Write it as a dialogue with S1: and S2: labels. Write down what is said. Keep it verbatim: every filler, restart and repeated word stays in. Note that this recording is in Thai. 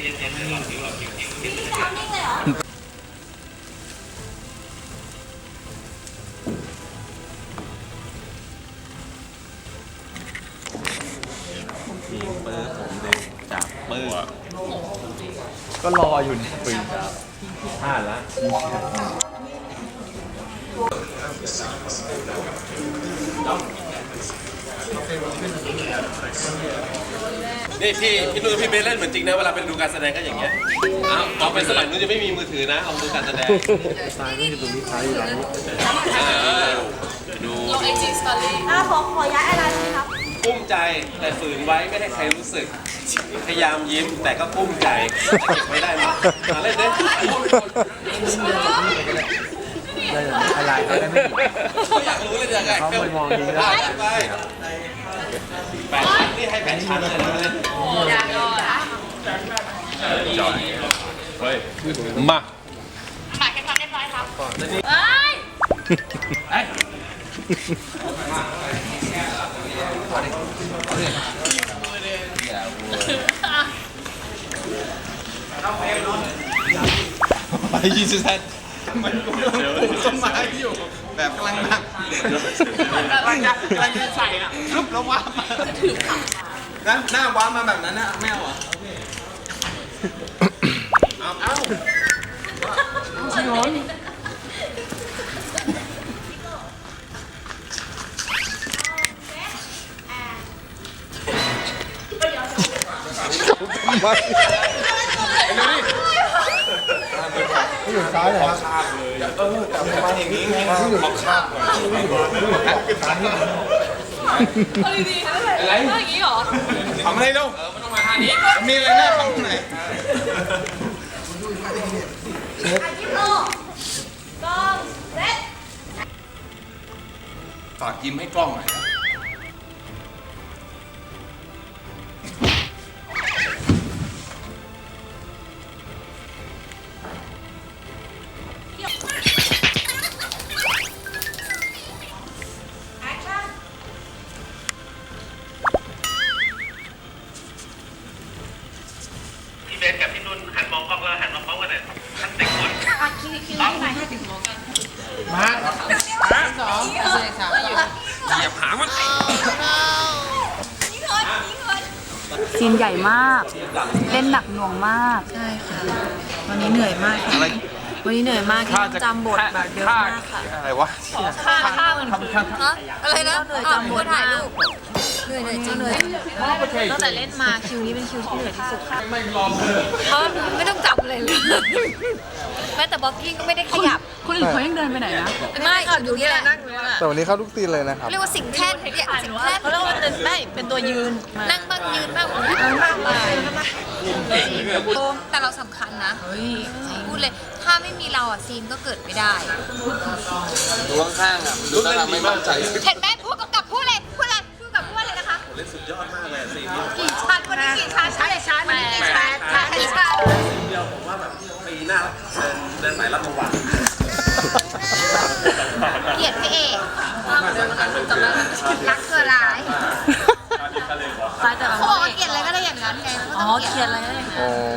S1: ทีมเบอร์ผมเลยจากเบอร์
S2: ก็รออยู่ในปืนครับพลาดละ
S1: นี่พี่พี่นุ่นพี่เบสเล่นเหมือนจริงนะเวลาเป็นดูการแสดงก็อย่างเงี้ยเอาเอาเป็นสมัยนู้นจะไม่มีมือถือนะเอาดูการแสดง
S2: ตายนี่ตรงนี้ท้ายอยู่แล้ว
S1: ดู
S3: ลงไอจีสตอรี่
S4: อ่ะขอขอย้ายอะไรไหมครับ
S1: กุ้มใจแต่ฝืนไว้ไม่ให้ใครรู้สึกพยายามยิ้มแต่ก็กุ้มใจแต่เก็บไม่ได้มาเล่นดิ
S2: อะไรเขาได้ไม่ผิด
S1: เขาอยากรู้เลยยังไงเขาไปมองดีแล้วไปแปดชั้นนี่ให้แปดชั้นเลยนะ
S3: อยากรอนะ
S1: จอยเฮ้ยมา
S3: หมายแค่ความเรียบร้อยครับเอ้ย
S1: เอ้ยไปยี่สิบแทนมันก็ต้นไม้อยู่แบบกำลังนั่งกำลังจะกำลังจะใส่อ่ะรุบแล้วว้ามาถือขับงั้นหน้าว้ามาแบบนั้นนะไม่เอาอ่ะเอาเอาชิโน
S2: ไม่อยู่ซ้ายเลยครับ
S1: เออแต่ประมาณอย่างนี้ไงเขาข้ามก่อน
S3: เอาดีๆอะไรอย่างนี้หรอ
S1: ทำอะไรลูกมันต้องมาท่านี้มีอะไรน่าทำตรงไหนฝากยิ้มให้กล้องหน่อยพี่เบสกับพี่นุ่นหันมองกล้องแล้วหันมาพร้อมกันเลยทั้งสิบคน
S4: อ่ะคิวคิวให้ไหนให้ถึงมองกัน
S1: มามา
S3: สองสี่สาม
S1: เหยียบหางมัน
S5: ซีนใหญ่มากเล่นหนักหน่วงมาก
S3: ใช่ค่ะวันนี้เหนื่อยมากวันนี้เหนื่อยมากที่จำบทแบบเยอะมากค่ะ
S1: อะไรวะ
S3: ค่าค่าเหมือนอะไรนะเหนื่อยจำบทถ่ายรูปเหนื่อยเหนื่อยจริงเหนื่อยตั้งแต่เล่นมาคิวนี้เป็นคิวที่เหนื่อยที่สุดค่ะเพราะไม่ต้องจำอะไรเลยแม้แต่บล็อกกิ้งก็ไม่ได้ขยับ
S5: คนอื่นเขายังเดินไปไหนนะ
S3: ไม่อยู่นี่แหละนั่งอยู่นี่แหละ
S2: แต่วันนี้เข้าทุกตีนเลยนะครับ
S3: เรียกว่าสิ่งแท่นเนี่ยสิ่งแท่นเขาเรียกว่าเป็นไม่เป็นตัวยืนนั่งบ้างยืนบ้างนั่งบ้างแต่เราสำคัญนะพูดเลยถ้าไม่มีเราอ่ะซีนก็เกิดไม่ได้
S1: ดูข้างๆอ่ะดูแล้วเราไม่มั่นใจ
S3: เห็นไหมพูดกับพูดเลยพูดอะไรพูดกับพูดเลยนะคะ
S1: เล่นสุดยอดมากเลยซีนนี้
S3: กี่ชั้นวันนี้กี่ชั้นชั้นชั้นวันนี้กี่ชั้นชั้นชั้น
S1: เดียวผมว่าแบบปีหน้าเดินเดินสายรับรางวัล
S3: เกลียดพระเอกรักเธอร้ายเขาบอกว่าเกลียดอะไรก็ได้อย่างนั้นไงอ๋อเกลียดอะไรก็ได้อย่างนั้น